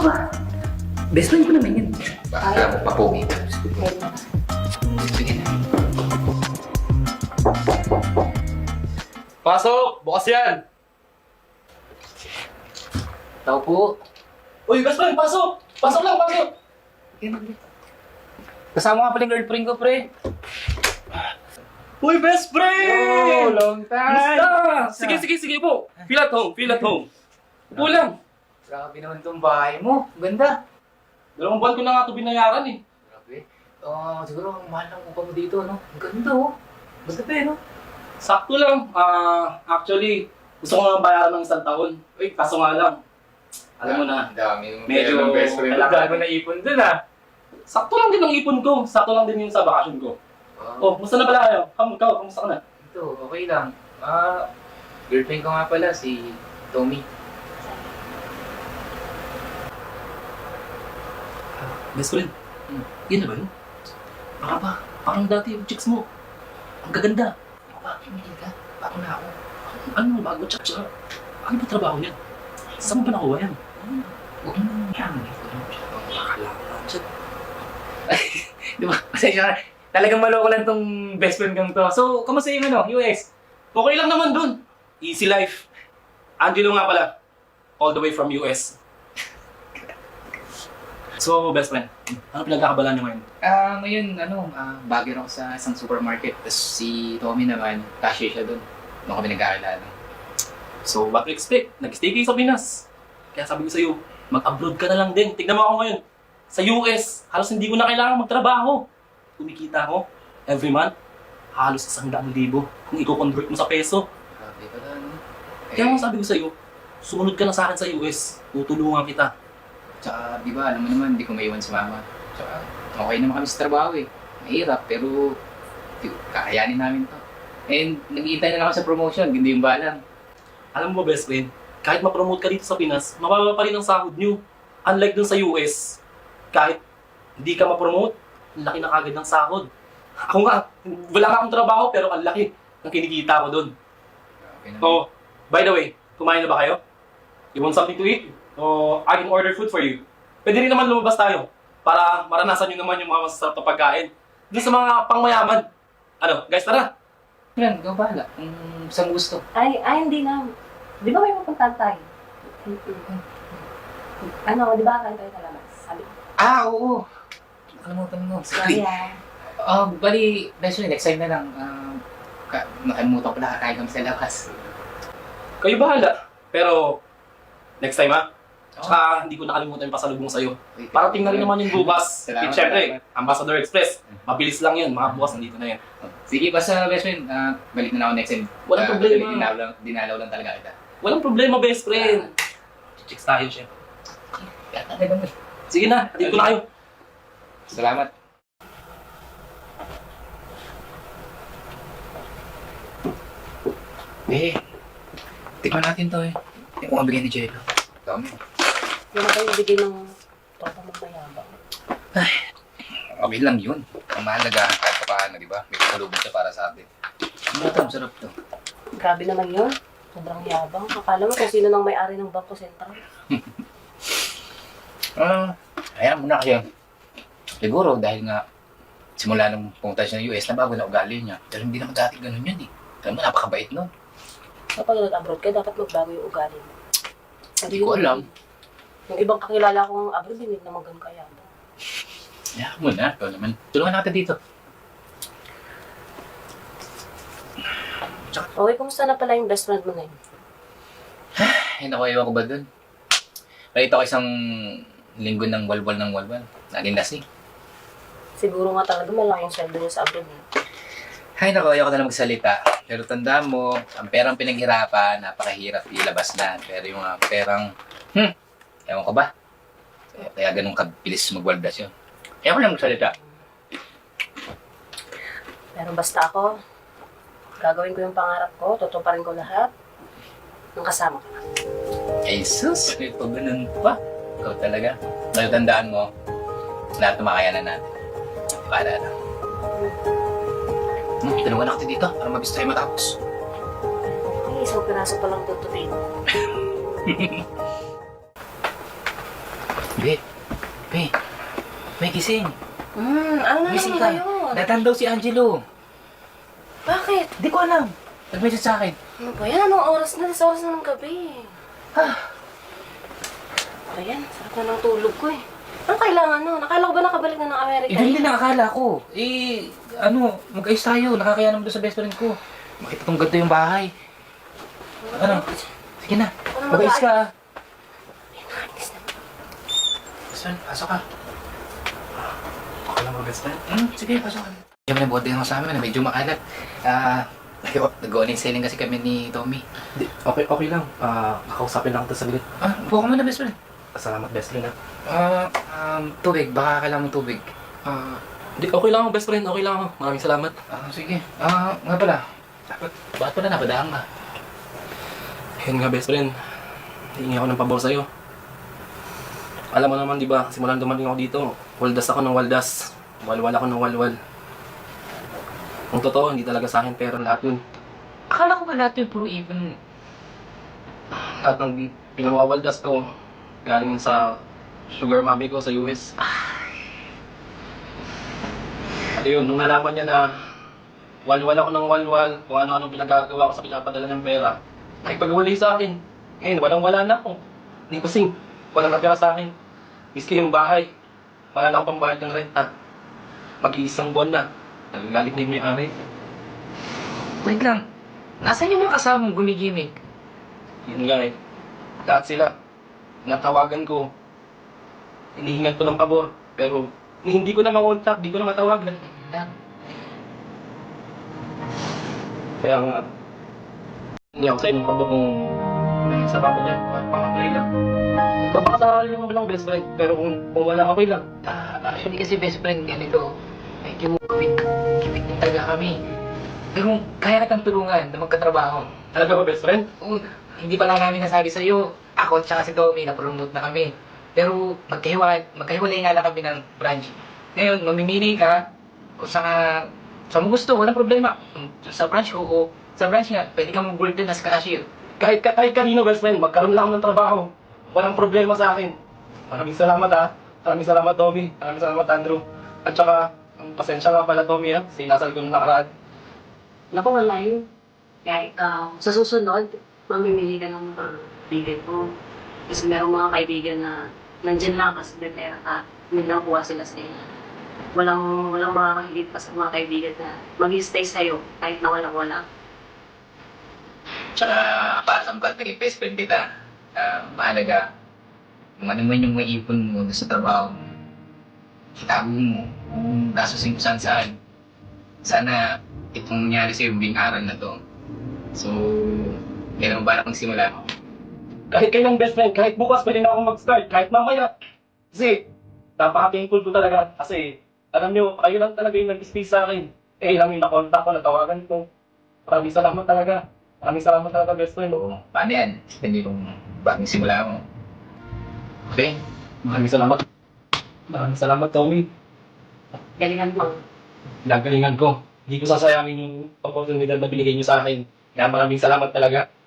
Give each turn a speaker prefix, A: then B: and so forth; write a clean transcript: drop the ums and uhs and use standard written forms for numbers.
A: ba? Best friend ko naman yun.
B: Baka mo papogi. Sige na.
C: Pasok! Bukas yan!
A: Tao po.
C: Uy, best friend, pasok! Pasok lang, pasok!
A: Kasama nga pala yung girlfriend ko, pre.
C: Uy, best friend!
A: long
C: Musta? Sige po. Feel at home. Upo lang.
A: Grabe naman tong bahay mo. Ganda.
C: 2 buwan ko na nga ito binayaran eh.
A: Grabe. Siguro ang mahal ng upa mo dito, no? Ang ganda, oh. Basta pa, no?
C: Sakto lang. Actually, gusto ko nga bayaran ng 1 taon. Uy, kaso nga lang. Alam mo na,
B: Ang dami yung
C: medyo
B: ng best friend.
C: kailangan ko na ipon dun Sakto lang din ang ipon ko. Sakto lang din yung sa bakasyon ko. Oh, musta na pala kayo? Kamusta ka na?
A: Ito, okay lang. Girlfriend ko nga pala, si Tommy.
C: Best friend, yun na ba yun? Baka ba? Parang dati yung chicks mo. Ang gaganda.
A: Hindi ka? Bako na ako.
C: Ano bago tsaka? Ano ba trabaho niyan? Saan mo ba nakuha yan?
A: Huwag mo yan.
C: Nakakalaman siya.
A: Di ba? Pasensya ka. Talagang maloko lang tong best friend kang to. So, kamusta yung US?
C: Okay lang naman dun. Easy life. Angelo nga pala. All the way from US. So, best friend, ano pinagkakabalan niyo ngayon?
A: Ngayon, bagger ako sa isang supermarket. Tapos si Tommy naman, cashier siya doon. Doon kami nag-aalala.
C: So, what to expect? Nag-stay kayo sa Pinas. Kaya sabi ko sa'yo, mag-abroad ka na lang din. Tignan mo ako ngayon. Sa US, halos hindi ko na kailangan magtrabaho. Kumikita ako, every month, halos 100,000 kung i-convert mo sa peso.
A: Grabe pala, no?
C: Kaya nga sabi ko sa'yo, sumunod ka na sa akin sa US. Tutulungan kita.
A: Tsaka, di ba, alam mo naman, hindi ko maiwan si mama. Tsaka, okay naman kami sa trabaho eh. Mahirap, pero kakayanin namin to. And nag-iintay na lang ako sa promotion, hindi yung balang.
C: Alam mo ba, best friend, kahit ma-promote ka dito sa Pinas, mababa pa rin ang sahod nyo. Unlike dun sa US, kahit hindi ka ma-promote, ang laki na kagad ng sahod. Ako nga, wala nga akong trabaho, pero ang laki ng kinikita ko dun.
A: Grabe naman.
C: Oh, by the way, kumain na ba kayo? You want something to eat? O I can order food for you. Pwede rin naman lumabas tayo para maranasan nyo naman yung mga masasarap na pagkain. Doon sa mga pangmayaman. Ano, guys, tara!
A: Yan, ikaw bahala. Kung saan gusto.
D: Ay, hindi na. Di ba may pupuntahan tayo? Ano, di ba kain tayo sa labas? Sabi ko.
A: Oo. Nakalimutan mo. Sorry.
D: Kaya,
A: Bali, best friend, next time na lang. Nakalimutan ko na kakain kami sa labas.
C: Kayo bahala. Pero, next time ha? Tsaka hindi ko nakalimutan yung pasalubong sa'yo. Para tingnan rin naman yung bukas.
A: Salamat,
C: At syempre,
A: salamat.
C: Ambassador Express. Mabilis lang yun. Mga bukas nandito na yan.
A: Sige, basta best friend, balik na ako next time.
C: Walang problema.
A: Dinalaw lang talaga kita.
C: Walang problema, best friend. Chicks tayo, syempre. Sige na, atid ko na kayo.
A: Salamat. Tikman natin to eh. Yung mabigay ni Jello. Dami.
D: yun na yung bigay ng tropa mong mayabang.
A: Okay lang yun. Ang mahalaga, kahit pa paano, di ba? May kasalubong siya para sa atin. Ano ito? Masarap to.
D: Grabe naman yun. Sobrang yabang. Akala mo kung sino nang may-ari ng Bangko Sentral.
A: Ayan mo na kasi. Siguro dahil nga simula nung pumunta siya ng US, nabago na ugali niya. Pero hindi naman dati ganun yun eh. Alam mo, napakabait nun.
D: Kapag nag-abroad ka, dapat magbago yung ugali mo.
A: Hindi ko alam.
D: Yung ibang kakilala kong abroad, hindi naman ganun kayabang.
A: Ayan mo na. Ikaw naman. Tulungan natin dito.
D: Okay, kumusta na pala yung best friend mo na yun?
A: Ay, naku, ewan ko ba dun? Nakita ko isang linggo ng walwal ng walwal. Naging lasing.
D: Siguro nga talaga malaki yung sweldo niya sa abroad.
A: Ay, naku, ayoko na lang magsalita. Pero tandaan mo, ang perang pinaghirapan, napakahirap ilabas na. Pero yung perang, ewan ko ba? Kaya ganun kabilis magwaldas yun. Ayoko na magsalita.
D: Pero basta ako, gagawin ko yung pangarap ko, tutuparin ko lahat ng kasama ko.
A: Ay, sus! Ito ganun pa. Ikaw talaga. Pero tandaan mo, lahat na makayanan natin. Para na. Tulungan natin dito para mabis tayo matapos.
D: Ay, isang piraso pa lang tututin.
A: Be, be, may gising.
D: Ano na
A: Gising
D: naman
A: ka.
D: kayo?
A: Natan daw si Angelo.
D: Bakit?
A: Di ko alam. Nag-message sa akin.
D: Ano ba yan? Anong oras na? Sa oras na ng gabi. Ayan, sarap na ng tulog ko eh. Anong kailangan no? Nakala ko ba nakabalik na ng Amerika?
A: Yun din ang akala ko. Mag-ayos tayo. Nakakaya naman doon sa best friend ko. Makita tong ganda yung bahay. Ano? Sige na.
D: Ano
A: Mag-ayos ka. ah.
D: Nakakis na.
A: Best friend, pasok ka.
C: Okay lang ba, best friend?
A: Sige, pasok ka. Yung nabuhat din ako sa amin na medyo makalat. Nag-owning selling kasi kami ni Tommy.
C: Hindi, okay lang. Kakausapin lang kita saglit.
A: Buka mo na best friend.
C: Salamat, best friend, ha?
A: Tubig. Baka kailangan mo tubig.
C: Hindi, okay lang ako, best friend. Okay lang ako. Maraming salamat.
A: Sige. Nga pala. Bakit pala napadaan ka?
C: Ayun nga, best friend. Hihingi ako ng pabor sa'yo. Alam mo naman, di ba? Simulan dumating ako dito. Waldas ako ng waldas. Walwal ako ng walwal. Ang totoo, hindi talaga sa akin pera lahat yun.
A: Akala ko ba lahat yung puro even?
C: At ng pinawawaldas ko, galing sa sugar mommy ko sa US. At yun, nung nalaman niya na walwal ako ng walwal, kung ano-ano pinagagawa ko sa pinapadala ng pera, ay pagwali sa akin. Ngayon, walang-wala na ako. Hindi kasing, walang napira sa akin. Miski yung bahay, wala na akong pambayad ng renta. Mag-iisang buwan na. Nagagalit na yung may-ari.
A: Wait lang. Nasaan yung mga kasamang gumigimik?
C: Yun nga eh. Lahat sila. Natawagan ko. Hinihingan ko ng pabor. Pero hindi ko na makontak, hindi ko na matawagan. Kaya nga, hindi ako sa inyong pabor kung sa papa niya, pangaplay lang. Papakasakali naman lang best friend, pero kung wala okay lang.
A: Actually kasi best friend ganito. Medyo kipit na talaga kami. Pero kaya kitang tulungan na magkatrabaho.
C: Talaga ba best friend?
A: Hindi pa lang namin nasabi sa'yo. Ako at saka si Tommy, na-promote na kami. Pero magkahiwalay nga lang kami ng branch. Ngayon, mamimili ka kung saan mo gusto, walang problema. Sa branch ko o sa branch nga, pwede kang mag-work din as cashier.
C: Kahit kanino best friend, magkaroon lang ako ng trabaho. Walang problema sa akin. Maraming salamat ha. Maraming salamat Tommy. Maraming salamat Andrew. At saka, pasensya nga pala Tommy ha. Sinasal ko nung nakaraan.
D: Naku, wala yun. Kaya sa susunod, mamimili ka ng mga kaibigan mo. Kasi merong mga kaibigan na nandyan lang kasi may pera ka. Hindi nakuha sila sa iyo. Walang makakahilit pa sa mga kaibigan na mag-stay sa'yo kahit na walang-wala.
A: Tsaka, para sa mga naging best friend kita, mahalaga, kung ano man yung maipon mo sa trabaho mo, itago mo, kung gasusin ko saan. Sana itong nangyari sa'yo, yung aral na to. So, meron ba akong simula?
C: Kahit kailang best friend, kahit bukas pwede na akong mag-start, kahit mamaya. Kasi, napaka-thankful ko talaga. Kasi, alam nyo, kayo lang talaga yung nag-stay sa akin. Lang yung nakontak ko, natawagan ko. Maraming salamat talaga. Maraming salamat talaga, best friend.
A: So, paano yan? Hindi yung bagong simula mo. Okay?
C: Maraming salamat. Maraming salamat, Tommy.
D: Galingan mo.
C: Nagalingan ko. Hindi ko sasayangin yung opportunity na binigay niyo sa akin. Kaya maraming salamat talaga.